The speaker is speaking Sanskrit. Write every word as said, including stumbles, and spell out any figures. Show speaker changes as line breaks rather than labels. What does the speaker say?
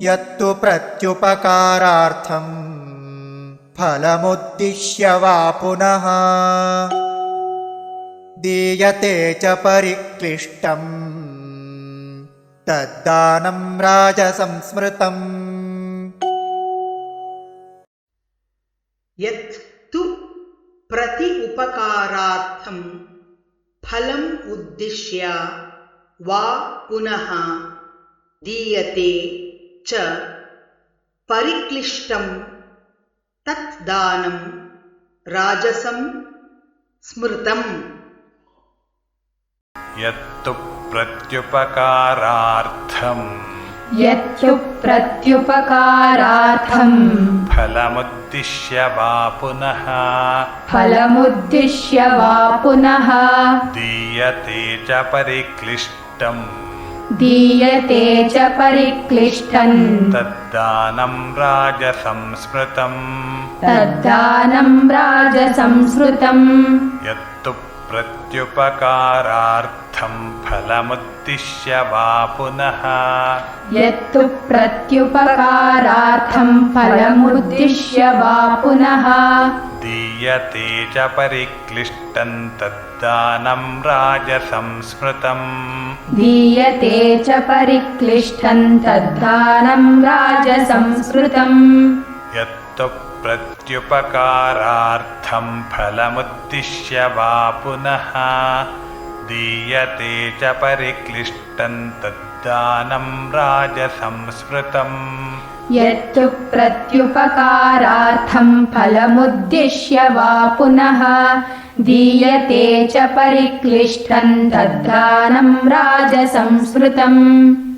यत्तु प्रत्युपकारार्थं फलमुद्दिश्य वा पुनः दीयते च परिक्लिष्टं तद्दानं राजसंस्मृतम्।
यत्तु प्रति उपकारार्थं फलम् उद्दिश्य वा पुनः दीयते च परिक्लिष्टं तत् दानं राजसं स्मृतम्।
यत्तु प्रत्युपकारार्थं
यत्तु प्रत्युपकारार्थं
फलमुद्दिश्य वा पुनः
फलमुद्दिश्य वा पुनः
दीयते च परिक्लिष्टं
दीयते च परिक्लिष्टं
तद्दानं राजसंस्मृतम्।
तद्दानं राजसंस्मृतम्।
यत्तु प्रत्युपकारार्थं फलमुद्दिश्य वा पुनः
यत्तु प्रत्युपकारार्थं फलमुद्दिश्य वा पुनः
दीयते च परिक्लिष्टं तद्दानं राजसंस्मृतम्।
दीयते च परिक्लिष्टं तद्दानं राजसंस्मृतम्।
यत्तु प्रत्युपकारार्थं फलमुद्दिश्य वा पुनः दीयते च परिक्लिष्टं तद्दानं राजसंस्मृतम्।
यत्तु प्रत्युपकारार्थं फलमुद्दिश्य वा पुनः दीयते च परिक्लिष्टं तद्दानं राजसंस्मृतम्।